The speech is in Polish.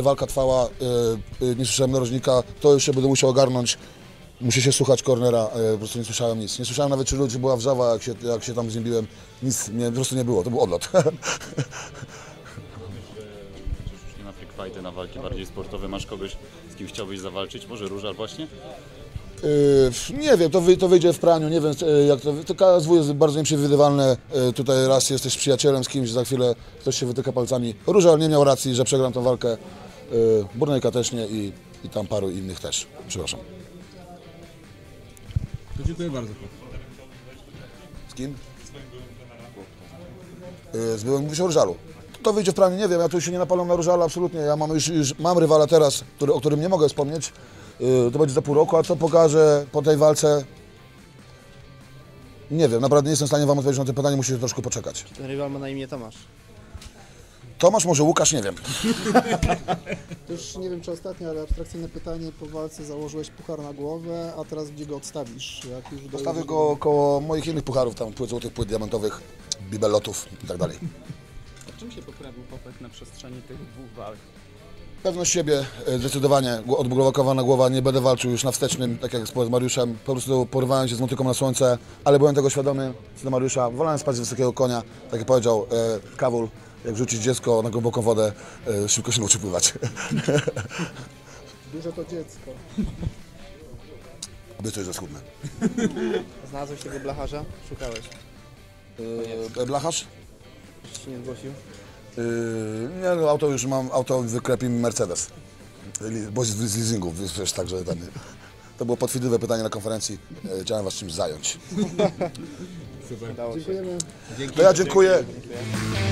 ile walka trwała, nie słyszałem narożnika, to już się będę musiał ogarnąć. Muszę się słuchać cornera, po prostu nie słyszałem nic. Nie słyszałem nawet, czy ludzi była wrzawa, jak się tam z nim biłem. Nic po prostu nie było, to był odlot. Już nie na freak fighty, na walki bardziej sportowe. Masz kogoś, z kim chciałbyś zawalczyć? Może Różal właśnie? Nie wiem, to wyjdzie w praniu, nie wiem jak to KSW jest bardzo nieprzewidywalne, tutaj raz jesteś przyjacielem z kimś, za chwilę ktoś się wytyka palcami. Różal nie miał racji, że przegram tę walkę, Burnejka też nie i tam paru innych też, przepraszam. To dziękuję bardzo. Z kim? Z byłym, mówisz o Różalu. To wyjdzie w praniu, nie wiem, ja tu się nie napalam na Różala absolutnie, ja już mam rywala teraz, o którym nie mogę wspomnieć. To będzie za pół roku, a co pokaże po tej walce? Nie wiem, naprawdę nie jestem w stanie wam odpowiedzieć na to pytanie, musicie troszkę poczekać. Ten rywal ma na imię Tomasz. Tomasz, może Łukasz, nie wiem. To już nie wiem czy ostatnie, ale abstrakcyjne pytanie, po walce założyłeś puchar na głowę, a teraz gdzie go odstawisz? Jak już Postawię go koło moich innych pucharów, tam płyt złotych, płyt diamentowych, bibelotów i tak dalej. A czym się poprawił Popek na przestrzeni tych dwóch walk? Pewność siebie, zdecydowanie, odblokowana głowa, nie będę walczył już na wstecznym, tak jak z Mariuszem, po prostu porwałem się z motyką na słońce, ale byłem tego świadomy, co do Mariusza, wolałem spać z wysokiego konia, tak jak powiedział Kawul, jak rzucić dziecko na głęboką wodę, szybko się nauczy pływać. Duże to dziecko. Obiecuję, że schudnę. Znalazłeś tego blacharza? Szukałeś. Blacharz? Jeszcze się nie zgłosił. Nie, no, auto już mam, auto wyklepi mi Mercedes, bo z leasingu, wiesz, także to było podchwytliwe pytanie na konferencji, chciałem was czymś zająć. Super. Dziękujemy. To ja dziękuję. Dziękuję.